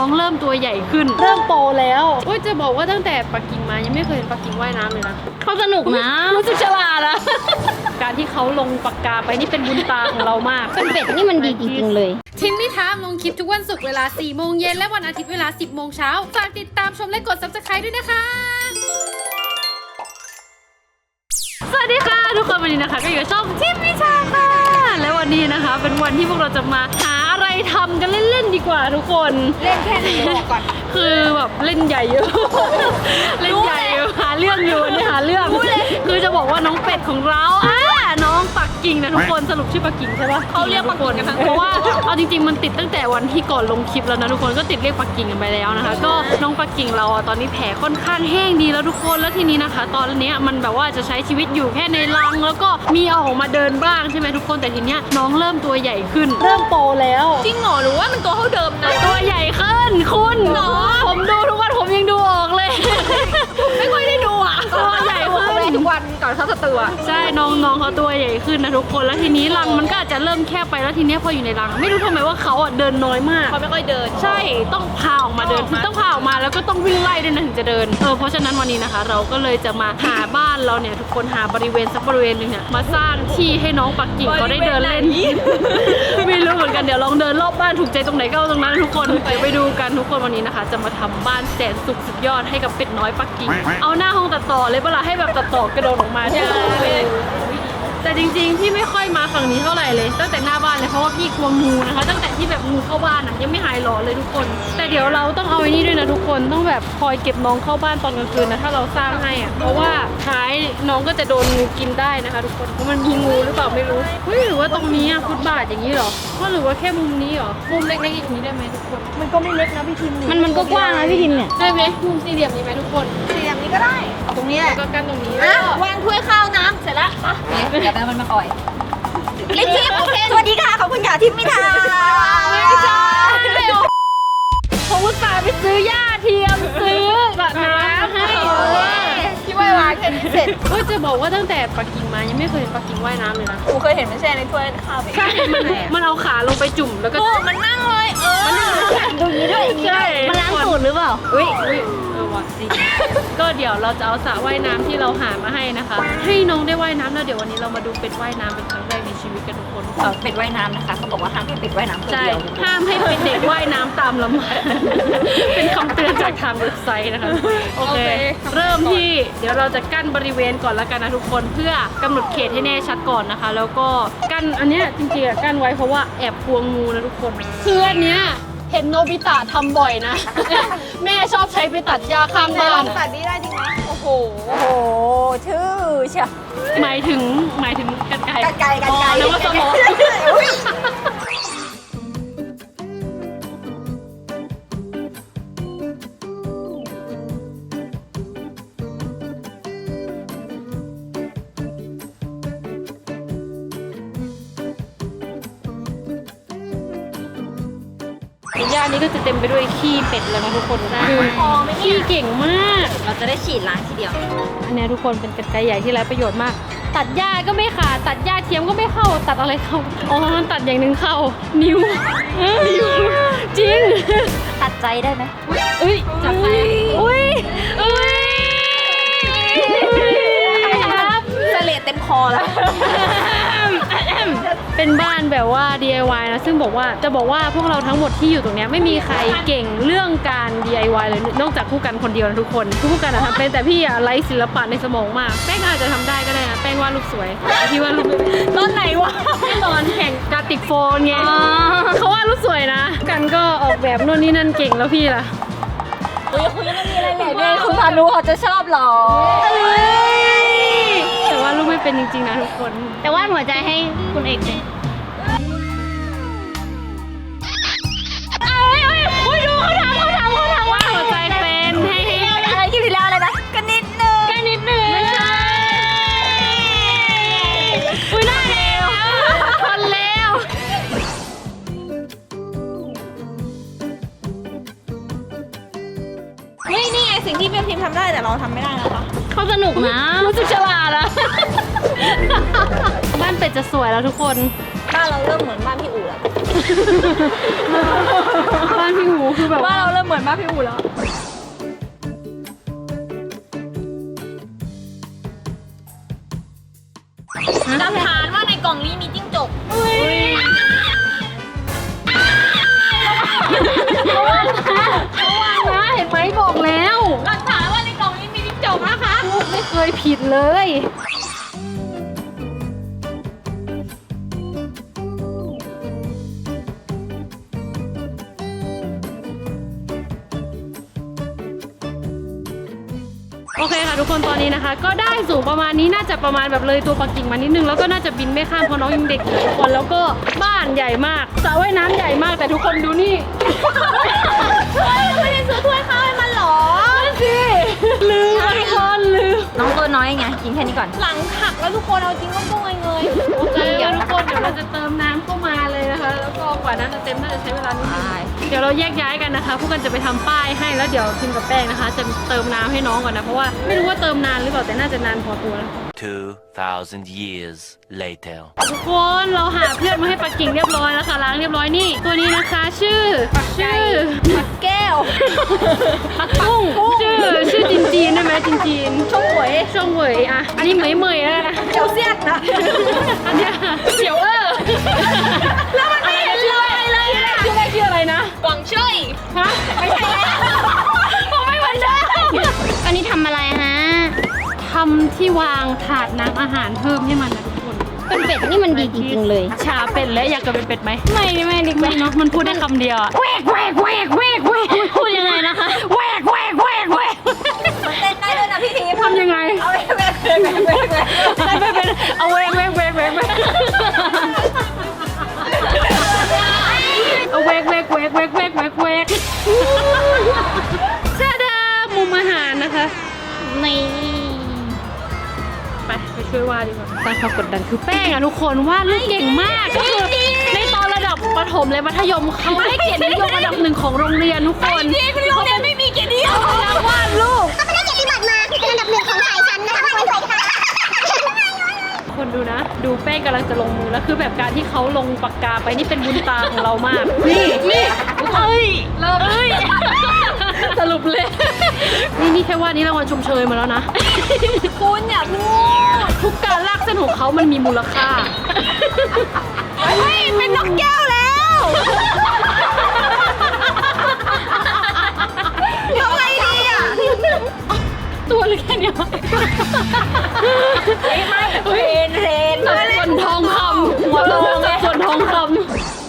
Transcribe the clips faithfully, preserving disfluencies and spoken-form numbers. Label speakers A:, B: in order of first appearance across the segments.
A: องเริ่มตัวใหญ่ขึ้นเริ่มโตแล้วโอ้ยจะบอกว่าตั้งแต่ปักกิ่งมายังไม่เคยเห็นปักกิ่งว่ายน้ำเลยนะเขาสนุกนะรู้สึกฉลาดอะ การที่เขาลงปากกาไปนี่เป็นบุญตาของเรามาก
B: เป็นเป็ดนี่มันดีจริงๆเลย
A: ทิมมี่ทามลงคลิปทุกวันศุกร์เวลาสี่โมงเย็นและวันอาทิตย์เวลาสิบโมงเช้าฝากติดตามชมและกด ซับสไครบ์ ด้วยนะคะสวัสดีค่ะทุกคนวันนี้นะคะก็อยู่กับช่องทิมมี่ทามค่ะและวันนี้นะคะเป็นวันที่พวกเราจะมาหาอะไรทำกันเล่นๆดีกว่าทุกคน
B: เล่นแค่ไหนบอกก่อน
A: คือแบบเล่นใหญ่อยู่ เล่นใหญ่อยู่หาเรื่องอยู่นี่หาเรื่องคือจะบอกว่าน้องเป็ดของเราอ่ะน้องปักกิ่งนะทุกคนสรุปชื่อปักกิ่งใช่ปะเขาเรียกปักกิ่งกันทั้งเพราะว่าเอาจริงๆมันติดตั้งแต่วันที่ก่อนลงคลิปแล้วนะทุกคนก็ติดเรียกปักกิ่งกันไปแล้วนะคะก็น้องปักกิ่งเราตอนนี้แผลค่อนข้างแห้งดีแล้วทุกคนแล้วทีนี้นะคะ ตอนนี้มันแบบว่าจะใช้ชีวิตอยู่แค่ในรังแล้วก็มีเอาออกมาเดินบ้างใช่ไหมทุกคนแต่ทีเนี้ยน้องเริ่มตัวใหญ่ขึ้นเริ่มโตแล้ว
B: จริงเหรอหรือว่ามันตัวเท่าเดิมนะ
A: ตัวใหญ่ขึ้นคุณผมดูทุกวันผมยังดูออกเลย
B: ไม่ค่อยได้ดูอ่ะ
A: ตัวใหญ่ขึ้น
B: ทุกวันก่อนเข้าสตูอ่ะ
A: ใช่น้องน้องเขาตัวใหญ่ขึ้นนะทุกคนแล้วทีนี้รังมันก็อาจจะเริ่มแคบไปแล้วทีนี้พออยู่ในรังไม่รู้ทำไมว่าเขาอ่ะเดินน้อยมาก
B: เขาไม่ค่อยเดิน
A: ใช่ต้องพาออกมาเดินคือต้องพาออกมาแล้วก็ต้องวิ่งไล่ด้วยนะถึงจะเดินเออเพราะฉะนั้นวันนี้นะคะเราก็เลยจะมาหาบ้านเราเนี่ยทุกคนหาบริเวณสักบริเวณหนึ่งเนี่ยมาสร้างที่ให้น้องปักกิ่งเขาได้เดินเล่นไม่รู้เหมือนกันเดี๋ยวลองเดินรอบบ้านถูกใจตรงไหนก็เอาตรงนั้นทุกคนไปไปดูกันทุกคนวันนี้นะคะจะมาทำบ้านแสนสุขสุดยอดให้กับเป็ดน้อยปักกิ่งเอาหน้าห้องตัดต่อเลยเวลาให้แบบตัดต่อกระโดดออกมาใช่แต่จริงๆพี่ไม่ค่อยมาฝั่งนี้เท่าไหร่เลยตั้งแต่หน้าบ้านเลยเพราะว่าพี่กลัวงูนะคะตั้งแต่ที่แบบงูเข้าบ้านอ่ะยังไม่หายหลอนเลยทุกคนแต่เดี๋ยวเราต้องเอาไอ้นี่ด้วยนะทุกคนต้องแบบคอยเก็บน้องเข้าบ้านตอนกลางคืนนะถ้าเราสร้างให้อ่ะเพราะว่าท้ายน้องก็จะโดนงูกินได้นะคะทุกคนเพราะมันมีงูหรือเปล่าไม่รู้เฮ้ยหรือว่าตรงนี้อ่ะฟุตบาทอย่างนี้หรอว่าหรือว่าแค่มุมนี้หรอมุมเล็กๆอย่างนี้ได้ไหมทุกคน
B: มันก็ไม่เล็กนะพี่ทิม
A: มันมันก็กว้างนะพี่ทิมเนี่ยได้ไหมมุมสี่เหลี่ยมนี้ไหมทุกคน
B: สี่เหลี่ยมนี้ก็ได้ตรงนี้แหละ
A: ก็กันตรงนี้
B: วางถ้วยข้าวน้ำเสร็จแล้วเดี๋ยวแม่มันมาอ่อยเล่นทีมโอเคสวัสดีค่ะขอบคุณค่ะทิมมี่ทา
A: ไม่ใช่ผมอุตส่าห์ไปซื้อหญ้าเทียมซื้อแบบน้ำให้
B: ที่ว่ายน้ำแค่นี้เสร็จ
A: ก็จะบอกว่าตั้งแต่ปักกิ่งมายังไม่เคยเห็นปักกิ่งว่ายน้ำเลยนะ
B: กูเคยเห็นมันแช่ในถ้วยข้าว
A: ใช่มันมันเอาขาลงไปจุ่มแล้วก็
B: มันนั่งเลยเออมันดูนี้ด้วย
A: ใช่
B: มันล้างตูดหรือเปล่า
A: อุ้ยอุ้ยเออว่ะจริงก็เดี๋ยวเราจะเอาสระว่ายน้ำที่เราหามาให้นะคะให้น้องได้ว่ายน้ำแล้วเดี๋ยววันนี้เรามาดูเป็ดว่ายน้ำเป็นครั้งแรกในชีวิตกันทุกคน
B: เป็ดว่ายน้ำนะคะเขาบอกว่าห้ามให้เป็ดว่ายน้ำคน
A: เดียวห้ามให้เป็นเด็กว่ายน้ำตามลำธารเป็นคำเตือนจากทางเว็บไซต์นะคะโอเคเริ่มที่เดี๋ยวเราจะกั้นบริเวณก่อนแล้วกันนะทุกคนเพื่อกำหนดเขตให้แน่ชัดก่อนนะคะแล้วก็กั้นอันเนี้ยจริงๆกั้นไว้เพราะว่าแอบกลัวงูนะทุกคนคืออันเนี้ยเห็นโนบิตะทำบ่อยนะ แม่ชอบใช้ไปตัดหญ้าข้างบ้าน
B: ตัดนี้ได้จริงไหมโอ้โหโอ้โหชื่อเชียว
A: หมายถึงหมายถึงกันไก่
B: กันไก่กันไก่
A: แล้วก็สมองย่านี้ก็จะเต็มไปด้วยขี้เป็ดแล้วนะทุกคนคือขี้เก่งมาก
B: เราจะได้ฉีดล้างทีเดียว
A: อันนี้ทุกคนเป็นกรรไกรใหญ่ที่ไร้ประโยชน์มากตัดหญ้าก็ไม่ขาดตัดหญ้าเทียมก็ไม่เข้าตัดอะไรเข้าอ๋อมันตัดอย่างหนึ่งเข้านิ้วจริง
B: ตัดใจได้ไหม
A: อุ้ยจับใจอุ้ยอุ้ย
B: เสลดเต็มคอแล้ว
A: เป็นบ้านแบบว่า ดี ไอ วาย นะซึ่งบอกว่าจะบอกว่าพวกเราทั้งหมดที่อยู่ตรงนี้ไม่มีใครเก่งเรื่องการ ดี ไอ วาย เลยนอกจากคู่กันคนเดียวนะทุกคนคู่กันนะคะเป็นแต่พี่อะไร้ศิลปะในสมองมากแป้งอาจจะทำได้ก็ได้นะแป้งวาดรูปสวยพี่วาดรูป
B: ตอนไหนวะ
A: ตอนแข่งกราติกโฟนไงเขาวาดรูปสวยนะกันก็ออกแบบนู่นนี่นั่นเก่งแล้วพี่ล่ะ
B: เฮ้ยคุณยังมีอะไรแหละเนี่ยคุณพานุเขาจะชอบหรอ
A: แต่ว่ารูปไม่เป็นจริงๆนะทุกคน
B: แต่ว่าหัวใจให้คุณเอกเลย
A: เอ้ยเอ้ยโอ้ยดูเขาทำเขาทำเขาทำว่าหัวใจเป็นให้
B: อะไรที่ที่แล้วอะไรนะกันนิดนึง
A: กันนิดนึงไม่ใช่อุ้ยน่าเร็วคนเร็ว
B: นี่นี่ไงสิ่งที่เพื่อนทีมทำได้แต่เราทำไม่ได้นะคะ
A: เขาสนุกนะรู้สึกฉลาดอะบ้านเป็ดจะสวยแล้วทุกคน
B: บ้านานเราเริ่มเหมือนบ้านพี่อู๋แล้ว
A: บ้านพี่หูคือแบบ
B: บ้านเราเริ่มเหมือนบ้านพี่อู๋แล้ว หลักฐานว่าในกล่องนี้มีจิ้งจก
A: ระวังนะเห็นไหมบอกแล้ว
B: หลักฐานว่าในกล่องนี้มีจิ้งจกนะคะ
A: ลูกไม่เคยผิดเลย โอเคค่ะทุกคนตอนนี้นะคะ ก็ได้สูงประมาณนี้น่าจะประมาณแบบเลยตัวปักกิ่งมานิดนึงแล้วก็น่าจะบินไม่ข้ามเพราะน้องยังเด็กอยู่ทุกคนแล้วก็บ้านใหญ่มากสระว่ายน้ำใหญ่มากแต่ทุกคนดูนี่
B: เฮ้ยเราไม่ได้ซื้อถ้วยข้าวให้มันหรอ
A: สิลืมทุกคนลืม
B: น้องตัวน้อยไงกินแค่นี้ก่อน หลังหักแล้วทุกคนเอาจริงก็ต้องเงย
A: โอเคทุกคนเดี๋ยวเราจะเติมน้ำเข้ามาเลยนะคะ แล้วก็กว่าน้ำจะเต็มน่าจะใช้เวลานิดนึงเดี๋ยวเราแยกย้ายกันนะคะพวกกันจะไปทำป้ายให้แล้วเดี๋ยวพิมกับแป้งนะคะ จะเติมน้ำให้น้องก่อนนะเพราะว่าไม่รู้ว่าเติมนานหรือเปล่าแต่น่าจะนานพอตัวแล้ว
C: Two thousand years later.
A: ทุกคนเราหาเพื่อนมาให้ปักกิ่งเรียบร้อยแล้วค่ะล้างเรียบร้อยนี่ตัวนี้นะคะชื่อชื่อ
B: แก้ว
A: ปักกุ้งชื่อชื่อจีนจีนได้ไหมจีนจีน
B: ชงหวย
A: ช่องเหวยอ่ะอันนี้เหมยเหมยแล้วนะ
B: เจียวเสียดนะ
A: อันเนี้ยเขียวเออ
B: แล้วมันไม่เห็นเลยเลย
A: ชื่ออะไรชื่ออะไรนะ
B: หวังช่วย
A: ฮะ
B: ไม่ใช่แล้ว
A: ผมไม่เหมือนเดิม
B: อันนี้ทำอะไรฮะ
A: ทำที่วางถาดน้ำอาหารเพิ่มให้มันนะทุกคน
B: เป็นเป็ดนี่มันดีจริงๆเลย
A: ชาเป็ดและอยากจะเป็นเป็ดไหมไม่ไม่ดิไม่เนาะมันพูดได้คำเดียวอะแหวกแหวกแหวกแหวกแหวกพูดยังไงนะคะแหวกแหวกแหวกแหวก
B: มันเต้นได้ด้วยนะพี่ทีม
A: ทำยังไง
B: เอาไปแบกแบกแบกแบกแบก
A: ไม่ไม่เป็นเอาแหวกแหวกแหวกแหวกแหวกเอาแหวกแหวกแหวกแหวกแหวกแหวกแหวกชาดามุมอาหารนะคะ
B: นี่
A: ไปไปช่วยวาดดีกว่าสร้างความกดดันคือแป้งอะทุกคนวาดรูปเก่งมากก็คือในตอนระดับประถมและมัธยมเขาได้เกียรตินิยมระดับหนึ่งของโรงเรียนทุกคน
B: ที่คุณโรงเรียนไม่มีเกียรตินิยม
A: นักวาดรูป
D: ก็ไปได้เกียรติบัตรมาเป็นอันดับหนึ่งของสายชั้นนะคะสวยๆค่ะ
A: คนดูนะ ดูแป้งกำลังจะลงมือแล้วคือแบบการที่เขาลงปากกาไปนี่เป็นบุญตาของเรามากนี่นี่เอ้ยเริ่มเอ้ยสรุปเลยนี่นี่แค่ว่านี้รางวัลชมเชยมาแล้วนะ
B: คุณอย่าพูด
A: ทุกการลากเส้นของเขามันมีมูลค่า
B: เฮ้ยเป็นนกแก้วแล้วทำไงดีอ่ะ
A: ตัวเล็กแค่เนี้ย
B: ไม่ไม่เทรนเทรน
A: ส่วนทองคำหัวโตกับส่วนทองคำ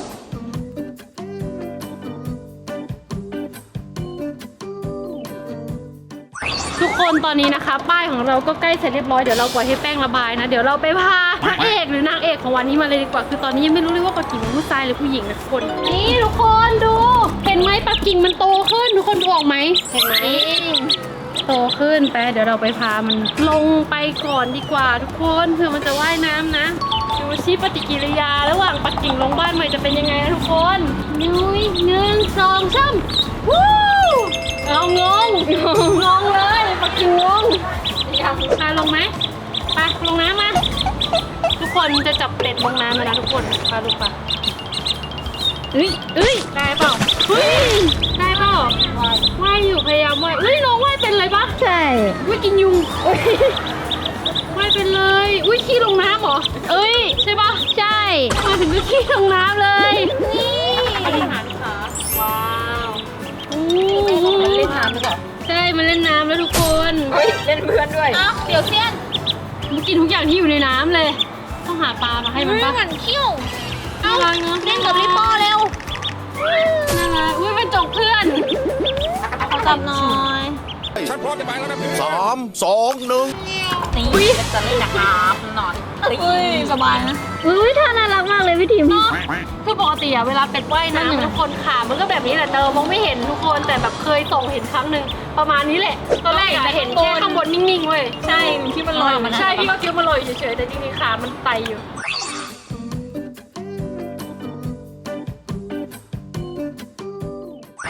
A: ทุกคนตอนนี้นะคะ ป้ายของเราก็ใกล้เสร็จเรียบร้อยเดี๋ยวเราปล่อยให้แป้งระบายนะเดี๋ยวเราไปพาพระเอกหรือนางเอกของวันนี้มาเลยดีกว่าคือตอนนี้ยังไม่รู้เลยว่าปักกิ่งเป็นผู้ชายหรือผู้หญิงนะทุกคนนี่ทุกคนดูเห็นไหมปักกิ่งมันโตขึ้นทุกคนดูออกไหมเห็นไหมโตขึ้นไปเดี๋ยวเราไปพามันลงไปก่อนดีกว่าทุกคนเผื่อมันจะว่ายน้ำนะดูชิปฏิกิริยาระหว่างปักกิ่งลงบ้านใหม่จะเป็นยังไงนะทุกคนนุ้ยหนึ่งสองสามวู้เอางงงงเลยปักกิ่งงงพาลงไหมไปลงน้ำมาทุกคนจะจับเป็ดลงน้ำมานะทุกคนพาลูกไปเอ้ยเอ้ยได้เปล่าเฮ้ยได้เปล่าว่ายอยู่พยายามว่ายเอ้ยน้องว่ายเป็นอะไรปะ
B: ใช่
A: อุ้ยกินยุงว่ายเป็นเลยอุ้ยขี้ลงน้ำเหรอเอ้ยใช่ปะใช่มาถึงก็ขี้ลงน้ำเลยนี่บริหารขาว้าวอู้
B: มันเล่นน้ำหรือเปล่า
A: ใช่มันเล่นน้ำแล้วทุกคน
B: เฮ้ยเล่นเพื่อนด้วยอ้าวเดี๋ยวเสี้ยน
A: มันกินทุกอย่างที่อยู่ในน้ำเลย ต้องหาปลามาให้มันปะ
B: เหมือนคิ้ว
A: น่ารักเนอะ
B: เล่นกับลิปโป้เร็ว
A: น่ารักอุ้ยเป็นจกเพื่อน
B: ขอจับหน่อย
E: สามสองหนึ่ง
B: นี่จะเล่นกับน้ำหน่อยเฮ้ยสบายนะ
A: อุ้ยท่าน่ารักมากเลยพี่ทิมคือปกติอะเวลาเป็ดว่ายน้ำทุกคนขามันก็แบบนี้แหละเติมมองไม่เห็นทุกคนแต่แบบเคยส่งเห็นครั้งหนึ่งประมาณนี้แหละตอนแรกอะเห็นแค่ข้างบนนิ่งๆเว้ย
B: ใช่ที่มันลอยออกมา
A: ใช่พี่ก็คิดว่ามันลอยอยู่เฉยๆแต่จริงๆขามันไตอยู่ทุก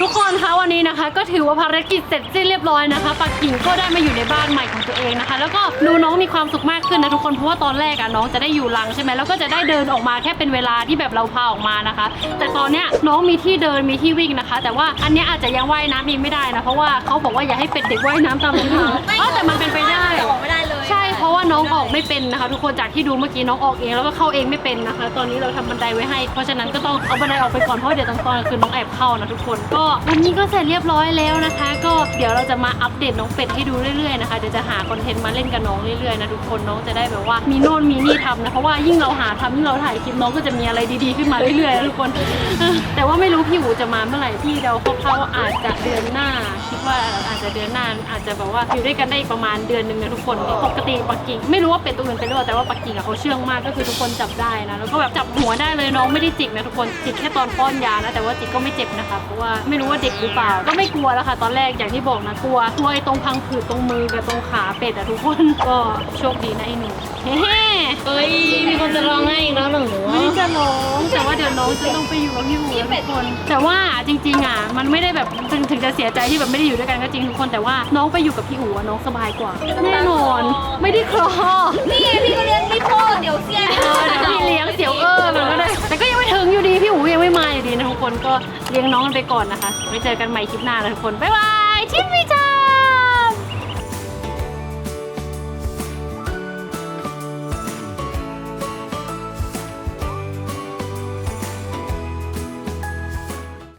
A: ทุกคนคะวันนี้นะคะ ก็ถือว่าภารกิจเสร็จสิ้นเรียบร้อยนะคะปักกิ่งก็ได้มาอยู่ในบ้านใหม่ของตัวเองนะคะ แล้วก็ดูน้องมีความสุขมากขึ้นนะทุกคนเพราะว่าตอนแรกอะน้องจะได้อยู่รังใช่ไหมแล้วก็จะได้เดินออกมาแค่เป็นเวลาที่แบบเราพาออกมานะคะ แต่ตอนเนี้ยน้องมีที่เดินมีที่วิ่งนะคะ แต่ว่าอันเนี้ยอาจจะยังว่ายน้ำเองไม่ได้นะเพราะว่าเขาบอกว่าอย่าให้เป็ดเด็กว่ายน้ำตามลำพังอ๋อแต่มันเป็นไปได้
B: ออกไม่ได้เลย
A: ใช่เพราะว่าน้องออกไม่เป็นนะคะ ทุกคนจากที่ดูเมื่อกี้น้องออกเองแล้วก็เข้าเองไม่เป็นนะคะ ตอนนี้เราทำบันไดไว้ให้เพราะฉะนั้นก็ต้องเอาบันไดออกไปก่อนเพราะเดี๋ยวตอนกลางคืนน้องแอบเข้านะทุกคนก็วันนี้ก็เสร็จเรียบร้อยแล้วนะคะ ก็เดี๋ยวเราจะมาอัปเดตน้องเป็ดให้ดูเรื่อยๆนะคะเดี๋ยวจะหาคอนเทนต์มาเล่นกับน้องเรื่อยๆนะทุกคนน้องจะได้แบบว่ามีโน่นมีนี่ทำนะเพราะว่ายิ่งเราหาทำยิ่งเราถ่ายคลิปน้องก็จะมีอะไรดีๆขึ้นมาเรื่อยๆนะทุกคนเออแต่ว่าไม่รู้พี่อู๋จะมาเมื่อไหร่พี่เดาคร่าวๆว่าอาจจะเดือนหน้าคิดว่าอาจจะเดือนหน้าอาจจะแบบว่าอยู่ด้วยกันได้ประมาณเดือนหนึ่งนะทุกคนปกติปักกิ่งไม่รู้ว่าเป็ดตัวอื่นเป็นหรือเปล่าแต่ว่าปักกิ่งอะเขาเชื่องมากก็คือทุกคนจับได้นะแล้วก็แบบจับหัวได้เลยน้องไม่ได้จิกนะทุกคนจิกแค่ตอนป้อนยานะแต่ว่าจิกก็ไม่เจ็บนะคะเพราะว่าไม่รู้ว่าเด็กหรือเปล่าก็ไม่กลัวแล้วค่ะตอนแรกอย่างที่บอกนะกลัวกลัวไอ้ตรงพังผืดตรงมือกับตรงขาเป็ดอะทุกคนก็โชคดีนะไอ้หนูเฮ้เฮ้ยมีคนจะร้องให้อีกแล้วหนูไม่ได้จะร้องแต่ว่าเดี๋ยวน้องจะต้องไปอยู่กับพี่หูทุกคนแต่ว่าจริงๆอะมันไม่ได้แบบถึงถึงจะเสียใจที่แบบไม่ได้อยู่ด้วยกันก็จริงทุกคนแต่ว่าน้องไปอยู่กับพี่อู๋น้องสบายกว่าแน่นอนไม่ได้คลอ
B: นี่พี่ก็เลี้ยงพี่พ่อเดี๋ยวเสีย
A: เออเดี๋ยวพี่เลี้ยงเสียวเออมันก็ได้แต่ก็ยังไม่ถึงอยู่ดีพี่อู๋ยังไม่มาอยู่ดีนะทุกคนก็เลี้ยงน้องกันไปก่อนนะคะไว้เจอกันใหม่คลิปหน้านะทุกคนบ๊ายบายชิมวิจัย